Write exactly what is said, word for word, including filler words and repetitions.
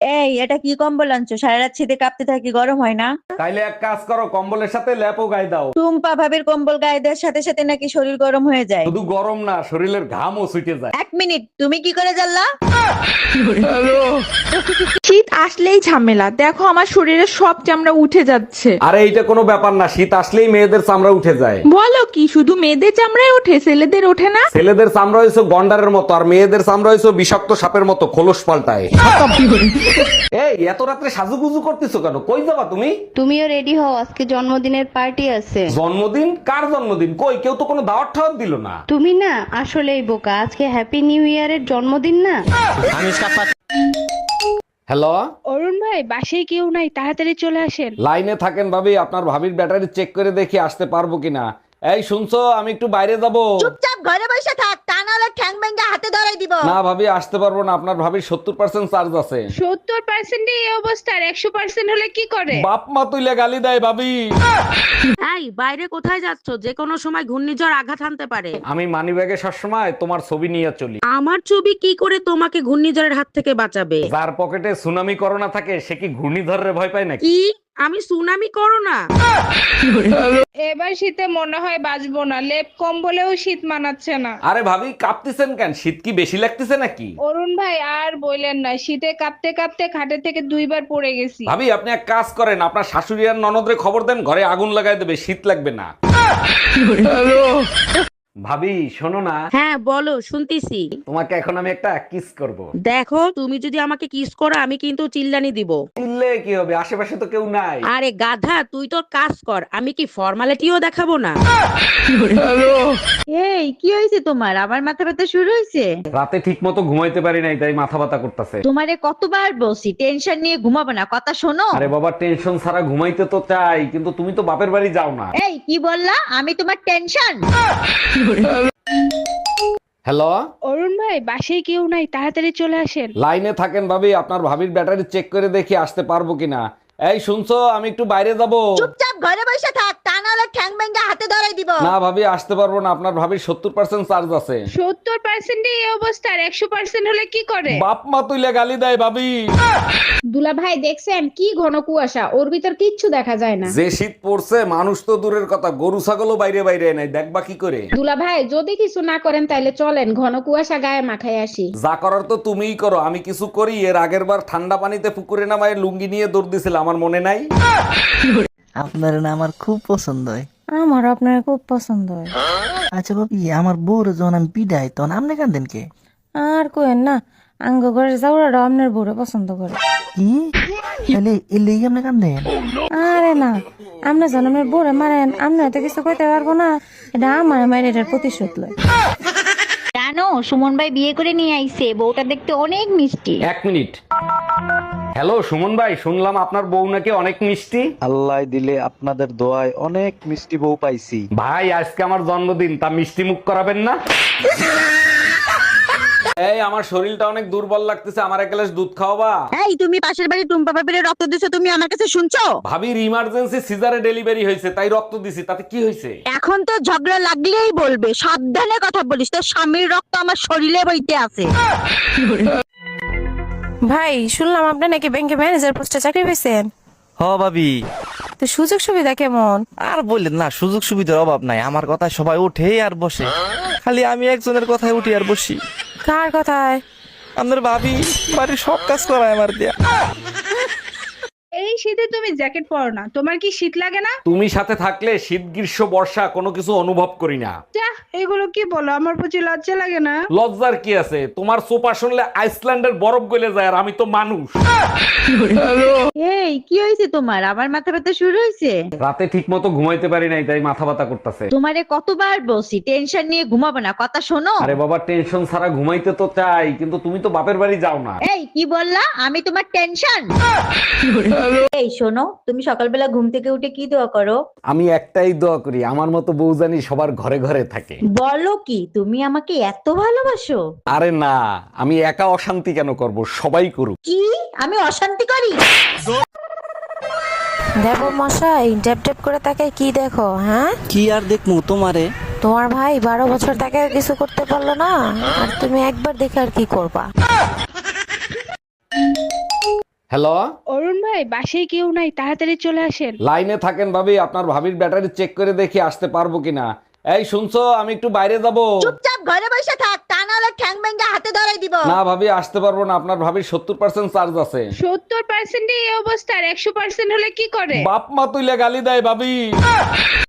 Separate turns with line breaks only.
এই এটা কি কম্বল আনছো? সারা রাত শীতে কাঁপতে থাকি, গরম হয় না?
তাইলে এক কাজ করো, কম্বলের সাথে ল্যাপও গায়ে দাও।
টুম্পা ভাবির কম্বল গায়ে দেওয়ার সাথে সাথে নাকি শরীর গরম হয়ে যায়?
শুধু গরম না, শরীরের ঘামও ছুটে যায়।
এক মিনিট, তুমি কি করে জানলা?
শীত আসলেই ঝামেলা, দেখো আমার শরীরে সব চামড়া উঠে যাচ্ছে।
আরে এইটা কোনো ব্যাপার না, শীত আসলেই মেয়েদের চামড়া উঠে যায়।
বলো কি, শুধু মেয়েদের চামড়ায় ওঠে, ছেলেদের ওঠে না?
ছেলেদের চামড়া হয়েছে গন্ডারের মতো, আর মেয়েদের চামড়া হয়েছে বিষাক্ত সাপের মতো, খোলস পাল্টায়। এই এত রাত্রে সাজুগুজু করতেছো কেন? কই যাবা তুমি?
তুমিও রেডি হও, আজকে জন্মদিনের পার্টি আছে।
জন্মদিন? কার জন্মদিন? কই, কেউ তো কোনো দাওয়াত ঠাওয়াত দিল না।
তুমি না আসলেই বোকা, আজকে হ্যাপি নিউ ইয়ারের জন্মদিন না।
হ্যালো,
অরুণ ভাই, বাসায় কেউ নাই, তাড়াতাড়ি চলে আসেন।
লাইনে থাকেন ভাবি, আপনার ভাবির ব্যাটারি চেক করে দেখি আসতে পারবো কিনা। এই শুনছো, আমি একটু বাইরে যাব।
চুপচাপ ঘরে বসে থাক, তা নাহলে ঠ্যাং ব্যাঙ্গা হাতে ধরাই দিব।
না ভাবি, আসতে পারবো না, আপনার ভাবির সত্তর পার্সেন্ট চার্জ আছে।
সত্তর পার্সেন্ট এই অবস্থা, আর একশো পার্সেন্ট হলে কি করে?
বাপ মা তুইলে গালি দেয় ভাবি।
এই বাইরে কোথায় যাচ্ছ? যে কোনো সময় ঘূর্ণিঝড় আঘাত হানতে পারে।
আমি মানি ব্যাগে সবসময় তোমার ছবি নিয়ে চলি।
আমার ছবি কি করে তোমাকে ঘূর্ণিঝড়ের হাত থেকে বাঁচাবে?
যার পকেটে সুনামি করোনা থাকে সে কি ঘূর্ণিঝড়ের ভয় পায় নাকি?
কি? আমি সুনামি করো না।
এবার শীতে মনে হয় বাঁচবো না, লেপ কম্বলেও শীত মানাচ্ছে না।
আরে ভাবি, কাঁপতেছেন কেন? শীত কি বেশি লাগতেছে নাকি?
অরুণ ভাই আর বললেন না, শীতে কাঁপতে কাঁপতে খাটে থেকে দুইবার পড়ে গেছি।
ভাবি, আপনি এক কাজ করেন, আপনার শাশুড়ি আর ননদরে খবর দেন, ঘরে আগুন লাগাই দেবে, শীত লাগবে না। ভাবি শোনো না,
হ্যাঁ বলো, শুনতিছি।
তোমাকে এখন আমি একটা কিস করব।
দেখো, তুমি যদি আমাকে কিস করো আমি কিন্তু চিল্লানি দিব।
চিল্লে কি হবে, আশেপাশে তো কেউ নাই।
আরে গাধা, তুই তোর কাজ কর, আমি কি ফর্মালিটিও দেখাবো না?
এই কি হয়েছে তোমার? আবার মাথা ব্যথা শুরু হয়েছে?
রাতে ঠিক মতো ঘুমাইতে পারি নাই, তাই মাথা ব্যথা করতেছে।
তোমারে কতবার বলছি টেনশন নিয়ে ঘুমাবো না, কথা শোনো।
আরে বাবা, টেনশন ছাড়া ঘুমাইতে তো চাই, কিন্তু তুমি তো বাপের বাড়ি যাও না।
এই কি বললা? আমি তোমার টেনশন?
হ্যালো,
অরুণ ভাই, বাসায় কেউ নাই, তাড়াতাড়ি চলে আসেন।
লাইনে থাকেন ভাবি, আপনার ভাবির ব্যাটারি চেক করে দেখি আসতে পারবো কিনা। এই শুনছো, আমি একটু বাইরে যাব।
চুপচাপ ঘরে বসে থাক, তা নাহলে ঠ্যাং ব্যাঙ্গা হাতে ধরাই দিব।
না ভাবি, আসতে পারবো না, আপনার ভাবির সত্তর পার্সেন্ট চার্জ আছে।
সত্তর পার্সেন্ট এই অবস্থা, আর একশো পার্সেন্ট হলে কি করে?
বাপ মা তুইলে গালি দেয় ভাবি।
দুলা ভাই দেখছেন কি ঘন কুয়াশা, ওর ভিতর কিচ্ছু দেখা যায় না।
যে শীত পড়ছে, মানুষ তো দূরের কথা, গরু ছাগলও বাইরে বাইরে নাই, দেখবা কি করে?
দুলা ভাই যদি কিছু না করেন তাইলে চলেন ঘন কুয়াশা গায়ে মাখায় আসি।
যা করার তো তুমিই করো, আমি কিছু করি? এর আগের বার ঠান্ডা পানিতে পুকুরে নামায় লুঙ্গি নিয়ে দৌড় দিছিল, আমার মনে নাই?
আপনার না আমার খুব পছন্দ হয়।
আমার আপনার খুব পছন্দ হয়।
আচ্ছা ভাবি, আমার বউর যখন আমি বিদায় তখন আপনি কাঁদেন কে?
আর কোয়েন না, আঙ্গ ঘরের চাউরাটা আপনার বউরে পছন্দ করে।
কি তাহলে এর লেগে আপনি কাঁদেন?
আরে না, আপনি যেন আপনার বউরে মারেন, আপনি হয়তো কিছু কইতে পারবো না, এটা আমার মায়ের এটার প্রতিশোধ লয়।
জানো, সুমন ভাই বিয়ে করে নিয়ে আইছে, বউটা দেখতে অনেক মিষ্টি।
এক মিনিট। হ্যালো সুমন ভাই, শুনলাম আপনার বউ নাকি অনেক মিষ্টি।
আল্লাহ দিলে আপনাদের দোয়ায় অনেক মিষ্টি বউ পাইছি।
ভাই, আজকে আমার জন্মদিন, তা মিষ্টি মুখ করাবেন না? এই আমার শরীরটা অনেক দুর্বল লাগতেছে, আমার এক গ্লাস দুধ খাওয়াবা?
এই তুমি পাশের বাড়ি টুম্পা ভাবির রক্ত দিছো, তুমি আমার কাছে শুনছো?
ভাবির ইমার্জেন্সি সিজারে ডেলিভারি হয়েছে, তাই রক্ত দিছি, তাতে কি হয়েছে?
এখন তো ঝগড়া লাগলেই বলবে, সাবধানে কথা বলিস, তোর স্বামীর রক্ত আমার শরীরে বইতে আছে।
ভাই, শুনলাম আপনি নাকি ব্যাংকে ম্যানেজার পোস্টে চাকরি পেয়েছেন।
হ ভাবি,
তো সুযোগ সুবিধা কেমন?
আর বললেন না, সুযোগ সুবিধার অভাব নাই। আমার কথায় সবাই উঠে আর বসে, খালি আমি একজনের কথায় উঠি আর বসি।
কার কথায়?
আপনার ভাবি বাড়ির সব কাজ করায় আমার দিয়া।
এই শীতে তুমি জ্যাকেট পরো না, তোমার কি শীত লাগে না?
তুমি সাথে থাকলে শীত গ্রীষ্ম বর্ষা কোনো কিছু অনুভব করি না।
যাহ, এগুলো কি বলো, আমার প্রতি লজ্জা লাগে না?
লজ্জার কি আছে? তোমার সোপা শুনলে আইসল্যান্ডের বরফ গলে যায়, আর আমি তো মানুষ।
এই কি হয়েছে তোমার? আবার মাথা ব্যথা শুরু হয়েছে?
রাতে ঠিক মতো ঘুমাইতে পারি নাই, তাই মাথা ব্যথা করতেছে।
তোমারে কতবার বলছি টেনশন নিয়ে ঘুমাবো না, কথা শোনো।
আরে বাবা, টেনশন ছাড়া ঘুমাইতে তো চাই, কিন্তু তুমি তো বাপের বাড়ি যাও না।
এই কি বললা? আমি তোমার টেনশন? এই শোনো, তুমি সকালবেলা ঘুম থেকে উঠে কি দোয়া করো?
আমি একটাই দোয়া করি, আমার মতো বউ জানি সবার ঘরে ঘরে থাকে।
বলো কি, তুমি আমাকে এত ভালোবাসো?
আরে না, আমি একা অশান্তি কেন করব, সবাই করুক।
কি আমি অশান্তি করি?
দেখো মশাই, ট্যাপ ট্যাপ করে তাকে কি দেখো? হ্যাঁ,
কি আর দেখমু তোমারে?
তোমার ভাই বারো বছর তাকে কিছু করতে পারলো না, আর তুমি একবার দেখে আর কি করবা?
হ্যালো,
অরুণ ভাই বাসায় কেউ নাই, তাড়াতাড়ি চলে আসেন।
লাইনে থাকেন ভাবি, আপনার ভাবির ব্যাটারি চেক করে দেখি আসতে পারবো কিনা। এই শুনছো, আমি একটু বাইরে যাব।
চুপচাপ ঘরে বসে থাক, তা নাহলে ঠ্যাং ভেঙে হাতে ধরাই দিব।
না ভাবি, আসতে পারবো না, আপনার ভাবির সত্তর পার্সেন্ট চার্জ আছে।
সত্তর পার্সেন্ট এই অবস্থা, আর একশো পার্সেন্ট হলে কি করে?
বাপ মা তুইলে গালি দেয় ভাবি।